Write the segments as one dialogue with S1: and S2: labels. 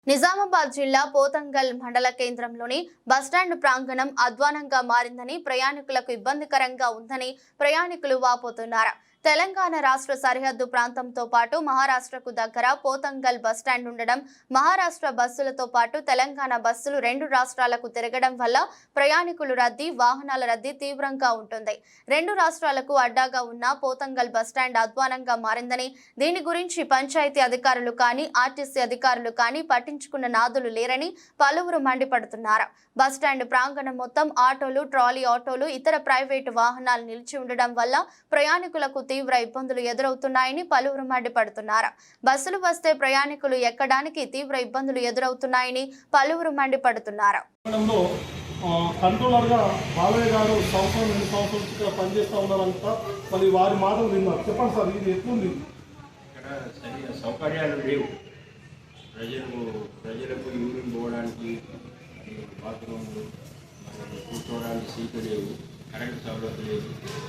S1: నిజామాబాద్ జిల్లా పోతంగల్ మండల కేంద్రంలోని బస్టాండ్ ప్రాంగణం అధ్వానంగా మారిందని, ప్రయాణికులకు ఇబ్బందికరంగా ఉందని ప్రయాణికులు వాపోతున్నారు. తెలంగాణ రాష్ట్ర సరిహద్దు ప్రాంతంతో పాటు మహారాష్ట్రకు దగ్గర పోతంగల్ బస్టాండ్ ఉండడం, మహారాష్ట్ర బస్సులతో పాటు తెలంగాణ బస్సులు రెండు రాష్ట్రాలకు తిరగడం వల్ల ప్రయాణికుల రద్దీ, వాహనాల రద్దీ తీవ్రంగా ఉంటుంది. రెండు రాష్ట్రాలకు అడ్డాగా ఉన్న పోతంగల్ బస్టాండ్ అధ్వానంగా మారిందని, దీని గురించి పంచాయతీ అధికారులు కానీ, ఆర్టీసీ అధికారులు కానీ పట్టించుకున్న నాదులు లేరని పలువురు మండిపడుతున్నారు. బస్టాండ్ ప్రాంగణం మొత్తం ఆటోలు, ట్రాలీ ఆటోలు, ఇతర ప్రైవేటు వాహనాలు నిలిచి ఉండడం వల్ల ప్రయాణికులకు తీవ్ర ఇబ్బందులు ఎదురవుతున్నాయని పలువురు మండిపడుతున్నారు. బస్సులు వస్తే ప్రయాణికులు ఎక్కడానికి తీవ్ర ఇబ్బందులు ఎదురవుతున్నాయని పలువురు మండిపడుతున్నారు.
S2: కంట్రోలర్ గా బాలయ్య గారు సంవత్సరం 2 సంవత్సరాలు పనిచేస్తూ ఉన్నారంట. మరి వారి మాటలు విన్నారు. చెప్పండి సార్, ఇది ఎట్లుంది?
S3: ఇక్కడ సరిగా సౌకర్యాలు లేవు. ప్రజలకు యూరిన్ పోవడానికి బాత్రూమ్లు, కూర్చోవడానికి సీట్లు లేవు, కరెంటు సౌలభ్యం లేదు,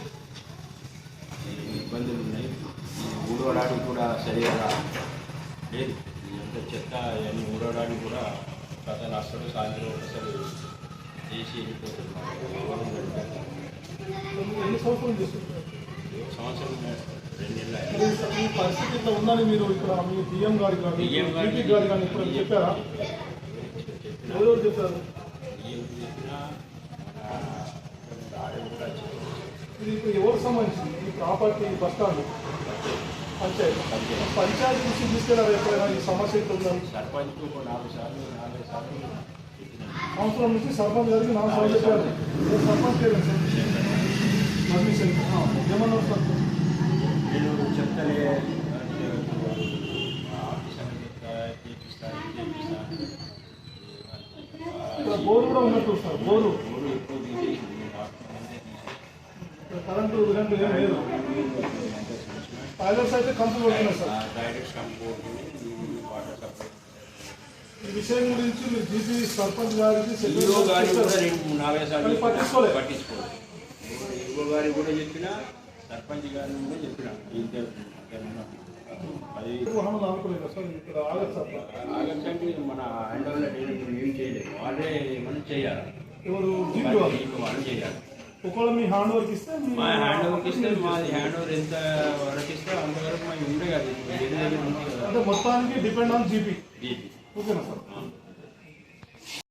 S3: ఇబ్బందులు ఉన్నాయి. ఊడవడానికి కూడా సరిగా లేదు. ఎంత చెత్త ఇవన్నీ ఊడవడానికి కూడా ప్రజలు అసలు సాయంత్రం అసలు చేసి వెళ్ళిపోతున్నారు. సంవత్సరం 2 నెలలు.
S2: ఈ పరిస్థితి ఇట్లా ఉందని మీరు ఇక్కడ మీ డిఎం గారికి కానీ ఇప్పుడు చెప్పారా? ఎవరు చెప్పారు? ఇది ఇప్పుడు ఎవరికి సంబంధించింది ఈ ప్రాపర్టీ? బస్ స్టాండ్ పంచాయతీ నుంచి తీసుకెళ్ళారు ఎప్పుడైనా ఈ సమస్య ఇట్లా ఉందని?
S3: సర్పంచ్ 4 సార్లు
S2: సంవత్సరం నుంచి సర్పంచ్ గారికి 4 సార్లు చెప్పారు. సర్పంచ్ పర్మిషన్ ఏమన్నారు సార్?
S3: నేను చెప్తానే
S2: ఇక్కడ బోరు కూడా ఉన్నట్టు సార్. బోరు కరెంటు విధంగా ఏం లేదు. టాయిలెట్స్ అయితే కంపు కొడుతున్నాయి సార్. ఈ విషయం గురించి మీరు జీపీ సర్పంచ్ గారికి
S3: పట్టించుకోలేదు. గారికి కూడా చెప్పిన, సర్పంచ్ గారిని కూడా చెప్పిన. ఆగచ్చండి మన హ్యాండ్ ఓవర్లో ఏం చేయలేదు. వాళ్ళే మనం చేయాలి. వాళ్ళు చేయాలి.
S2: ఒకవేళ మీ హ్యాండ్ ఓవర్కి ఇస్తే
S3: మా హ్యాండ్ ఓవర్కి ఇస్తే మాది హ్యాండ్ ఓవర్ ఎంత వరకు ఇస్తే అంతవరకు మాకు ఉండే కదా.
S2: అంటే మొత్తానికి డిపెండ్ ఆన్ జీపీ. ఓకేనా సార్?